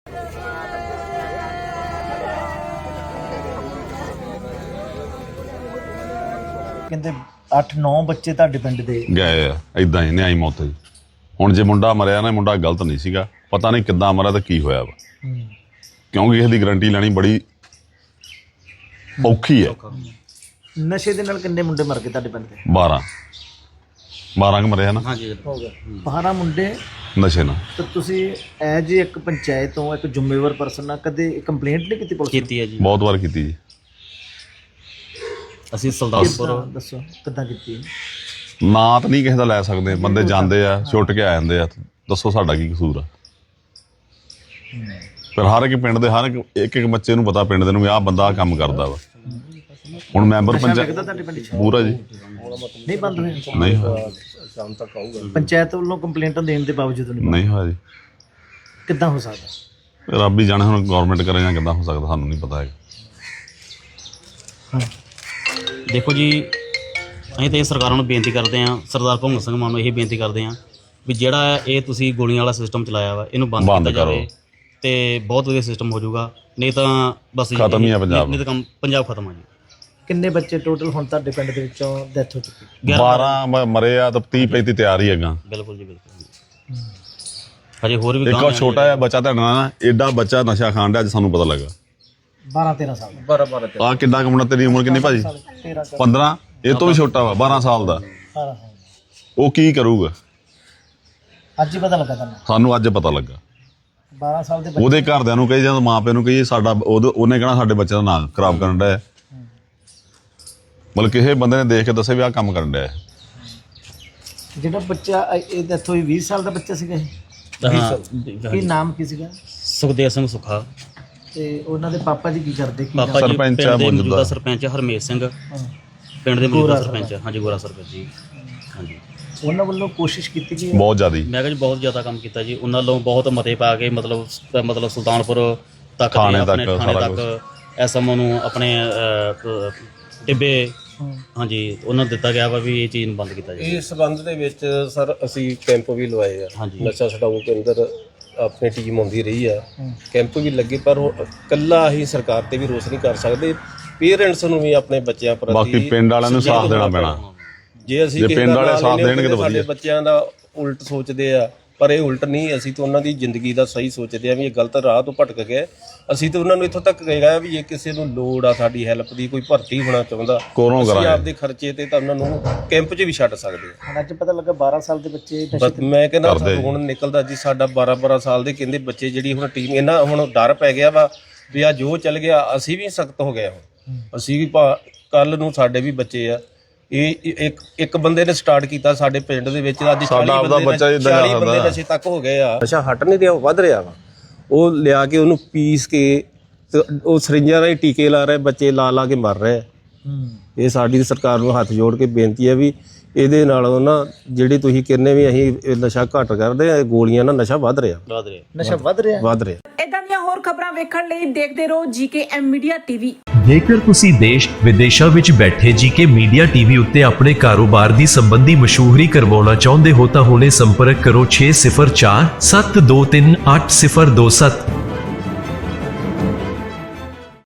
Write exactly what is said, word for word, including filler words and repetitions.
ਕਹਿੰਦੇ ਅੱਠ ਨੌ ਬੱਚੇ ਤੁਹਾਡੇ ਪਿੰਡ ਦੇ ਗਏ ਆ ਇਦਾਂ ਹੀ ਨਿਆਈ ਮੌਤ ਜੀ। ਹੁਣ ਜੇ ਮੁੰਡਾ ਮਰਿਆ ਨਾ, ਮੁੰਡਾ ਗਲਤ ਨਹੀਂ ਸੀਗਾ, ਪਤਾ ਨਹੀਂ ਕਿੱਦਾਂ ਮਰਿਆ ਤੇ ਕੀ ਹੋਇਆ ਵਾ, ਕਿਉਂਕਿ ਇਸ ਦੀ ਗਰੰਟੀ ਲੈਣੀ ਬੜੀ ਔਖੀ ਹੈ। ਨਸ਼ੇ ਦੇ ਨਾਲ ਕਿੰਨੇ ਮੁੰਡੇ ਮਰ ਗਏ ਤੁਹਾਡੇ ਪਿੰਡ ਦੇ? ਬਾਰਾਂ ਬਾਰਾਂ ਕ ਮਰੇ ਆ ਨਾ। ਹੋ ਗਿਆ ਬਾਰਾਂ ਮੁੰਡੇ ਨਸ਼ੇ ਨਾਲ। ਤਾਂ ਤੁਸੀਂ ਐਜ ਇੱਕ ਪੰਚਾਇਤ ਤੋਂ ਇੱਕ ਜ਼ਿੰਮੇਵਾਰ ਪਰਸਨ ਨਾਲ ਕਦੇ ਕੰਪਲੇਂਟ ਨਹੀਂ ਕੀਤੀ ਪੁਲਿਸ ਕੀਤੀ ਹੈ ਜੀ, ਬਹੁਤ ਵਾਰ ਕੀਤੀ ਜੀ। ਅਸੀਂ ਸੁਲਤਾਨਪੁਰ ਦੱਸੋ ਕਿੱਦਾਂ ਕੀਤੀ? ਨਾਂ ਤਾਂ ਨਹੀਂ ਕਿਸੇ ਦਾ ਲੈ ਸਕਦੇ, ਬੰਦੇ ਜਾਂਦੇ ਆ ਛੁੱਟ ਕੇ ਆ ਜਾਂਦੇ ਆ, ਦੱਸੋ ਸਾਡਾ ਕੀ ਕਸੂਰ ਆ? ਪਰ ਹਰ ਇੱਕ ਪਿੰਡ ਦੇ ਹਰ ਇੱਕ ਇੱਕ ਇੱਕ ਬੱਚੇ ਨੂੰ ਪਤਾ ਪਿੰਡ ਦੇ ਨੂੰ ਵੀ ਆਹ ਬੰਦਾ ਆਹ ਕੰਮ ਕਰਦਾ ਵਾ। ਹੁਣ ਮੈਂਬਰ ਪੰਚਾਇਤ ਤੁਹਾਡੇ ਪਿੰਡ 'ਚ ਪੂਰਾ ਜੀ ਨਹੀਂ ਬੰਦ ਹੋਇਆ? ਨਹੀਂ ਹੋਇਆ, ਪੰਚਾਇਤ ਵੱਲੋਂ ਕੰਪਲੇਂਟਾਂ ਦੇਣ ਦੇ ਬਾਵਜੂਦ ਨਹੀਂ ਨਹੀਂ ਹੋਇਆ ਜੀ। ਕਿੱਦਾਂ ਹੋ ਸਕਦਾ? ਰੱਬ ਹੀ ਜਾਣੇ ਹੁਣ ਗਵਰਨਮੈਂਟ ਕਰੇ ਜਾਂ ਕਿੱਦਾਂ ਹੋ ਸਕਦਾ, ਸਾਨੂੰ ਨਹੀਂ ਪਤਾ ਹੈਗਾ। ਦੇਖੋ ਜੀ, ਅਸੀਂ ਤਾਂ ਇਹ ਸਰਕਾਰਾਂ ਨੂੰ ਬੇਨਤੀ ਕਰਦੇ ਹਾਂ, ਸਰਦਾਰ ਭਗਵੰਤ ਸਿੰਘ ਮਾਨ ਨੂੰ ਇਹ ਬੇਨਤੀ ਕਰਦੇ ਹਾਂ ਵੀ ਜਿਹੜਾ ਇਹ ਤੁਸੀਂ ਗੋਲੀਆਂ ਵਾਲਾ ਸਿਸਟਮ ਚਲਾਇਆ ਵਾ ਇਹਨੂੰ ਬੰਦ ਬੰਦ ਕੀਤਾ ਕਰੋ। ਜਾਵੇ ਤੇ ਬਹੁਤ ਵਧੀਆ ਸਿਸਟਮ ਹੋ ਜਾਊਗਾ, ਨਹੀਂ ਤਾਂ ਬਸ ਖਤਮ ਹੀ ਆ ਪੰਜਾਬ। ਨਹੀਂ ਤਾਂ ਕੰਮ ਪੰਜਾਬ ਖਤਮ ਆ ਜੀ। ਕਿੰਨੇ ਬੱਚੇ ਟੋਟਲ ਹੁਣ ਤੁਹਾਡੇ ਪਿੰਡ ਦੇ ਵਿੱਚੋਂ ਡੈਥ ਹੋ ਚੁੱਕੀ? ਬਾਰਾਂ ਮ- ਮਰੇ ਆ ਤਾਂ ਤੀਹ ਪੈਂਤੀ ਤਿਆਰ ਹੀ ਹੈਗਾ। ਬਿਲਕੁਲ ਜੀ ਬਿਲਕੁਲ। ਹਜੇ ਹੋਰ ਵੀ ਇੱਕ ਗਾਂਹ ਉਹ ਛੋਟਾ ਜਿਹਾ ਬੱਚਾ ਤੁਹਾਡਾ ਨਾ, ਏਡਾ ਬੱਚਾ ਨਸ਼ਾ ਖਾਣ ਡਿਆ, ਅੱਜ ਸਾਨੂੰ ਪਤਾ ਲੱਗਾ। ਬਾਰਾਂ ਤੇਰਾਂ ਸਾਲ ਬਾਰਾਂ ਬਾਰਾਂ ਆ ਕਿੱਡਾ ਕਮਣਾ, ਤੇਰੀ ਉਮਰ ਕਿੰਨੀ ਭਾਜੀ? ਤੇਰਾਂ ਪੰਦਰਾਂ। ਇਹ ਤੋਂ ਵੀ ਛੋਟਾ ਵਾ, ਬਾਰਾਂ ਸਾਲ ਦਾ। ਸਾਲ ਉਹ ਕੀ ਕਰੂਗਾ? ਅੱਜ ਹੀ ਪਤਾ ਲੱਗਾ ਤੁਹਾਨੂੰ? ਸਾਨੂੰ ਅੱਜ ਪਤਾ ਲੱਗਾ। ਬਾਰਾਂ ਸਾਲ ਦੇ ਬੱਚੇ ਉਹਦੇ ਘਰਦਿਆਂ ਨੂੰ ਕਹੀ, ਜਦੋਂ ਮਾਂ ਪਿਓ ਨੂੰ ਕਹੀਏ ਸਾਡਾ ਉਹਦੇ- ਉਹਨੇ ਕਹਿਣਾ ਸਾਡੇ ਬੱਚੇ ਦਾ ਨਾਂ ਖਰਾਬ ਕਰਨ ਡਿਆ। ਮਤਲਬ ਕਿਸੇ ਬੰਦੇ ਨੇ ਦੇਖ ਕੇ ਦੱਸੇ ਵੀ ਆਹ ਕੰਮ ਕਰਨ ਡਿਆ। ਜਿਹੜਾ ਬੱਚਾ ਇਹ ਡੈਥ ਹੋਈ ਵੀਹ ਸਾਲ ਦਾ ਬੱਚਾ ਸੀਗਾ ਇਹ? ਹਾਂ। ਕੀ ਨਾਮ ਕੀ ਸੀਗਾ? ਸੁਖਦੇਵ ਸਿੰਘ ਸੁੱਖਾ। ਤੇ ਉਹਨਾਂ ਦੇ ਪਾਪਾ ਜੀ ਕੀ ਕਰਦੇ? ਕੀ ਪਾਪਾ ਜੀ ਸਰਪੰਚ ਪਿੰਡ ਆ ਦੇ ਮੌਜੂਦਾ। ਮੌਜੂਦਾ ਸਰਪੰਚ ਹਰਮੇਸ਼ ਸਿੰਘ, ਪਿੰਡ ਦੇ ਮੌਜੂਦਾ ਸਰਪੰਚ। ਹਾਂਜੀ, ਗੋਰਾ ਸਰਪੰਚ ਜੀ। ਹਾਂਜੀ, ਉਹਨਾਂ ਵੱਲੋਂ ਕੋਸ਼ਿਸ਼ ਕੀਤੀ ਗਈ? ਬਹੁਤ ਜ਼ਿਆਦੀ। ਮੈਂ ਕਿਹਾ ਜੀ ਬਹੁਤ ਜ਼ਿਆਦਾ ਕੰਮ ਕੀਤਾ ਜੀ ਉਹਨਾਂ ਵੱਲੋਂ, ਬਹੁਤ ਮਤੇ ਪਾ ਕੇ ਮਤਲਬ ਮਤਲਬ ਸੁਲਤਾਨਪੁਰ ਤੱਕ ਥਾਣੇ ਤੇ ਆਪਣੇ ਤੱਕ ਥਾਣੇ ਸਾਰਾ ਤੱਕ ਐਸਐਮਓ ਨੂੰ ਆਪਣੇ ਅਹ, ਟਿੱਬੇ ਹਾਂਜੀ ਉਹਨਾਂ ਨੂੰ ਦਿੱਤਾ ਗਿਆ ਵਾ ਵੀ ਇਹ ਚੀਜ਼ ਨੂੰ ਬੰਦ ਕੀਤਾ ਜਾਵੇ। ਇਸ ਸੰਬੰਧ ਦੇ ਵਿੱਚ ਸਰ ਅਸੀਂ ਕੈਂਪ ਵੀ ਲਵਾਏ ਆ। ਹਾਂਜੀ। ਨਸ਼ਾ ਛਡਾਊ ਕੇਂਦਰ ਆਪਣੀ ਟੀਮ ਆਉਂਦੀ ਰਹੀ ਆ, ਕੈਂਪ ਵੀ ਲੱਗੇ, ਪਰ ਉਹ ਇਕੱਲਾ ਅਸੀਂ ਸਰਕਾਰ ਤੇ ਵੀ ਰੋਸ ਨਹੀਂ ਕਰ ਸਕਦੇ। ਪੇਰੈਂਟਸ ਨੂੰ ਵੀ ਆਪਣੇ ਬੱਚਿਆਂ ਪ੍ਰਤੀ ਬਾਕੀ ਪਿੰਡ ਵਾਲਿਆਂ ਨੂੰ ਸਾਥ ਦੇਣਾ ਪੈਣਾ। ਜੇ ਅਸੀਂ ਜੇ ਪਿੰਡ ਵਾਲੇ ਸਾਥ ਦੇਣਗੇ ਤਾਂ ਸਾਡੇ ਵਧੀਆ। ਬੱਚਿਆਂ ਦਾ ਉਲਟ ਸੋਚਦੇ ਆ, ਪਰ ਇਹ ਉਲਟ ਨਹੀਂ। ਅਸੀਂ ਤਾਂ ਉਹਨਾਂ ਦੀ ਜ਼ਿੰਦਗੀ ਦਾ ਸਹੀ ਸੋਚਦੇ ਆ ਵੀ ਇਹ ਗਲਤ ਰਾਹ ਤੋਂ ਭਟਕ ਗਏ। ਅਸੀਂ ਤਾਂ ਉਹਨਾਂ ਨੂੰ ਇੱਥੋਂ ਤੱਕ ਕਹੇਗਾ ਵੀ ਜੇ ਕਿਸੇ ਨੂੰ ਲੋੜ ਆ ਸਾਡੀ ਹੈਲਪ ਦੀ, ਕੋਈ ਭਰਤੀ ਹੋਣਾ ਚਾਹੁੰਦਾ, ਕੋਲੋਂ ਅਸੀਂ ਕਰਾਂਗੇ। ਆਪਦੇ ਖਰਚੇ ਤੇ ਤਾਂ ਉਹਨਾਂ ਨੂੰ ਕੈਂਪ 'ਚ ਵੀ ਛੱਡ ਸਕਦੇ ਆ। ਹੁਣ ਅੱਜ ਪਤਾ ਲੱਗਾ ਬਾਰਾਂ ਸਾਲ ਦੇ ਬੱਚੇ ਨਸ਼ੇ ਬਸ ਮੈਂ ਕਹਿੰਦਾ ਕਰਦੇ ਜੀ। ਹੁਣ ਨਿਕਲਦਾ ਜੀ ਸਾਡਾ ਬਾਰਾਂ ਬਾਰਾਂ ਸਾਲ ਦੇ ਕਹਿੰਦੇ ਬੱਚੇ, ਜਿਹੜੀ ਹੁਣ ਟੀਮ ਇਹਨਾਂ ਹੁਣ ਡਰ ਪੈ ਗਿਆ ਵਾ ਵੀ ਆ ਜੋ ਚੱਲ ਗਿਆ। ਅਸੀਂ ਵੀ ਸਖਤ ਹੋ ਗਏ ਹੁਣ, ਅਸੀਂ ਵੀ ਕੱਲ ਨੂੰ ਸਾਡੇ ਵੀ ਬੱਚੇ ਆ। ਇਹ ਇੱਕ ਇੱਕ ਬੰਦੇ ਨੇ ਸਟਾਰਟ ਕੀਤਾ ਸਾਡੇ ਪਿੰਡ ਦੇ ਵਿੱਚ, ਅੱਜ ਸਾਡਾ ਆਪਦਾ ਬੱਚਾ ਹੀ ਏਦਾਂ ਚਾਲੀ ਬੰਦੇ ਕਰਦਾ। ਨਸ਼ੇ ਤੱਕ ਹੋ ਗਏ ਆ। ਨਸ਼ਾ ਹਟ ਨਹੀਂ ਰਿਹਾ, ਉਹ ਵੱਧ ਰਿਹਾ ਵਾ। ਉਹ ਲਿਆ ਕੇ ਉਹਨੂੰ ਪੀਸ ਕੇ ਤੇ ਉਹ ਸਰਿੰਜਾਂ ਰਾਹੀਂ ਟੀਕੇ ਲਾ ਰਹੇ, ਬੱਚੇ ਲਾ ਲਾ ਕੇ ਮਰ ਰਹੇ ਆ। ਇਹ ਸਾਡੀ ਸਰਕਾਰ ਨੂੰ ਹੱਥ ਜੋੜ ਕੇ ਬੇਨਤੀ ਹੈ ਵੀ ਇਹਦੇ ਨਾਲੋਂ ਨਾ ਜਿਹੜੀ ਤੁਸੀਂ ਕਹਿੰਦੇ ਵੀ ਅਸੀਂ ਇਹ ਨਸ਼ਾ ਘੱਟ ਕਰਦੇ ਆ, ਗੋਲੀਆਂ ਨਾਲ ਨਸ਼ਾ ਵੱਧ ਰਿਹਾ ਬਾਦ ਰਿਹਾ ਨਸ਼ਾ ਵੱਧ ਰਿਹਾ ਵੱਧ ਰਿਹਾ। ਇਦਾਂ ਦੀਆਂ ਹੋਰ ਖਬਰਾਂ ਵੇਖਣ ਲਈ ਦੇਖਦੇ ਰਹੋ ਜੀਕੇ ਐਮ ਮੀਡੀਆ ਟੀਵੀ। ਜੇਕਰ ਤੁਸੀਂ ਦੇਸ਼ ਵਿਦੇਸ਼ਾਂ ਵਿੱਚ ਬੈਠੇ ਜੀਕੇ ਮੀਡੀਆ ਟੀਵੀ ਉੱਤੇ ਆਪਣੇ ਕਾਰੋਬਾਰ ਦੀ ਸੰਬੰਧੀ ਮਸ਼ਹੂਰੀ ਕਰਵਾਉਣਾ ਚਾਹੁੰਦੇ ਹੋ ਤਾਂ ਹੁਣੇ ਸੰਪਰਕ ਕਰੋ ਛੇ ਸਿਫਰ ਚਾਰ ਸੱਤ ਦੋ ਤਿੰਨ ਅੱਠ ਸਿਫਰ ਦੋ ਸੱਤ।